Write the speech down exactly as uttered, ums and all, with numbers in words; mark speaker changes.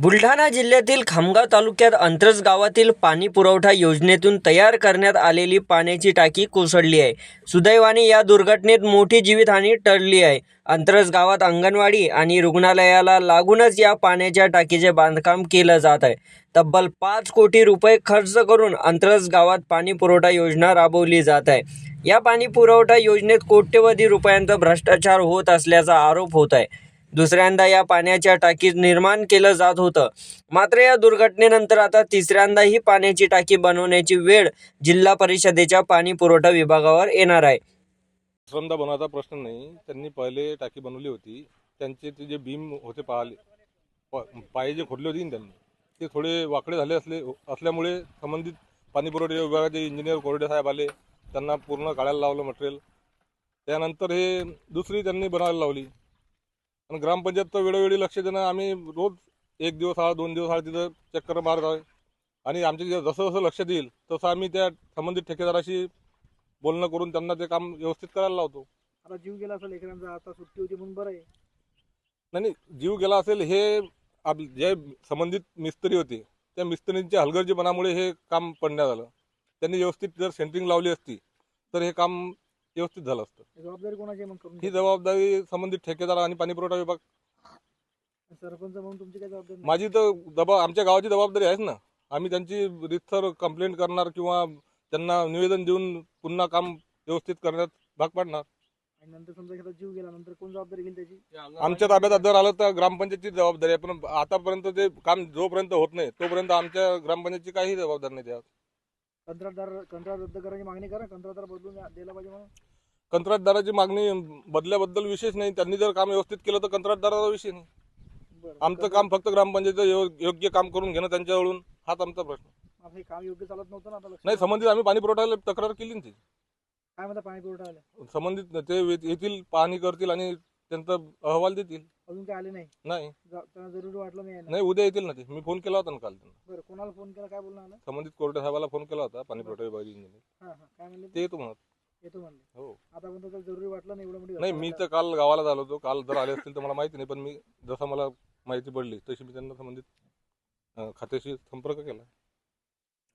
Speaker 1: बुलढाणा जिल्ह्यातील खामगाव तालुक्यात अंतरज गावातील पाणी पुरवठा योजनेतून तयार करण्यात आलेली पाण्याची टाकी कोसळली आहे. सुदैवाने या दुर्घटनेत मोठी जीवितहानी टळली आहे. अंतरज गावात अंगणवाडी आणि रुग्णालयाला लागूनच या पाण्याच्या टाकीचे बांधकाम केलं जात आहे. तब्बल पाच कोटी रुपये खर्च करून अंतरज गावात पाणी पुरवठा योजना राबवली जात आहे. या पाणी पुरवठा योजनेत कोट्यवधी रुपयांचा भ्रष्टाचार होत असल्याचा आरोप होत आहे. दुसऱ्यांदा या पाण्याच्या टाकीत निर्माण केलं जात होतं. मात्र या दुर्घटनेनंतर आता तिसऱ्यांदा ही पाण्याची टाकी बनवण्याची वेळ जिल्हा परिषदेच्या पाणी पुरवठा विभागावर येणार आहे.
Speaker 2: दुसऱ्यांदा बनवायचा प्रश्न नाही. त्यांनी पहिले टाकी बनवली होती. त्यांचे ते जे बीम होते पाले पाय जे खोदले होते त्यांनी ते थोडे वाकडे झाले असले असल्यामुळे संबंधित पाणी पुरवठा विभागाचे इंजिनियर कोरडे साहेब आले. त्यांना पूर्ण काढायला लावलं मटेरियल. त्यानंतर हे दुसरी त्यांनी बनवायला लावली. आणि ग्रामपंचायत तर वेळोवेळी लक्ष देणं, आम्ही रोज एक दिवस आड दोन दिवस आड तिथं चक्कर मारत आहे. आणि आमचे जसं जसं लक्ष देईल तसं आम्ही त्या संबंधित ठेकेदाराशी बोलणं करून त्यांना ते काम व्यवस्थित करायला लावतो.
Speaker 3: आता जीव गेला असेल लेकरांचा, आता सुट्टी होती म्हणून बरं आहे.
Speaker 2: नाही नाही जीव गेला असेल हे आप जे संबंधित मिस्त्री होते त्या मिस्त्रींच्या हलगर्जीपणामुळे हे काम पडण्यात आलं. त्यांनी व्यवस्थित जर सेंटरिंग लावली असती तर हे काम व्यवस्थित झालं असतं.
Speaker 3: जबाबदारी कोणाची आहे मग करून?
Speaker 2: ही जबाबदारी संबंधित ठेकेदार आणि पाणी पुरवठा विभाग.
Speaker 3: सरपंच म्हणून तुमची काय जबाबदारी?
Speaker 2: माझी तर दबा आमच्या गावाची जबाबदारी आहेच ना. आम्ही त्यांची रितसर कंप्लेंट करणार किंवा त्यांना निवेदन देऊन पुन्हा काम व्यवस्थित करण्यात भाग पाडणार.
Speaker 3: आणि नंतर समजा एखादा जीव गेला नंतर कोण जबाबदारी घेईल त्याची?
Speaker 2: आमच्या ताब्यात जर आलं तर ग्रामपंचायतची जबाबदारी आहे. पण आतापर्यंत ते काम जोपर्यंत होत नाही तोपर्यंत आमच्या ग्रामपंचायतची काही जबाबदारी नाही. त्यात
Speaker 3: कंत्राटदार कंत्राट रद्द करायची मागणी करा. कंत्राटदार बदलून द्यायला पाहिजे म्हणून.
Speaker 2: कंत्राटदाराची मागणी बदल्याबद्दल विशेष नाही. त्यांनी जर काम व्यवस्थित केलं तर कंत्राटदाराचा विषय नाही. आमचं काम फक्त ग्रामपंचायत योग्य काम करून घेणं त्यांच्याकडून, हाच आमचा प्रश्न.
Speaker 3: हे काम योग्य चालत नव्हतं ना आता?
Speaker 2: नाही संबंधित आम्ही पाणी पुरवठ्याला तक्रार केली ना. ती
Speaker 3: काय म्हणता पाणी पुरवठा आला?
Speaker 2: संबंधित ते येतील, पाहणी करतील आणि त्यांचा अहवाल देतील.
Speaker 3: अजून काय आले नाही?
Speaker 2: नाही
Speaker 3: त्यांना जरुरी वाटलं नाही?
Speaker 2: नाही उद्या येतील ना ते. मी फोन केला होता ना काल त्यांना.
Speaker 3: बरं, कोणाला फोन केला, काय बोलणं आलं?
Speaker 2: संबंधित कोर्टे साहेबाला फोन केला होता, पाणी पुरवठा विभागाचे इंजिनियर.
Speaker 3: हां हां, काय म्हणले?
Speaker 2: ते येतो म्हणत.
Speaker 3: येतो म्हणले.
Speaker 2: हो.
Speaker 3: आता पण त्याला जरुरी वाटलं नाही एवढं मोठी?
Speaker 2: नाही मी तर काल गावाला झालो होतो. काल जर आले असतील तर मला माहिती नाही. पण मी जसं मला माहिती पडली तशी मी त्यांना संबंधित खात्याशी संपर्क केला.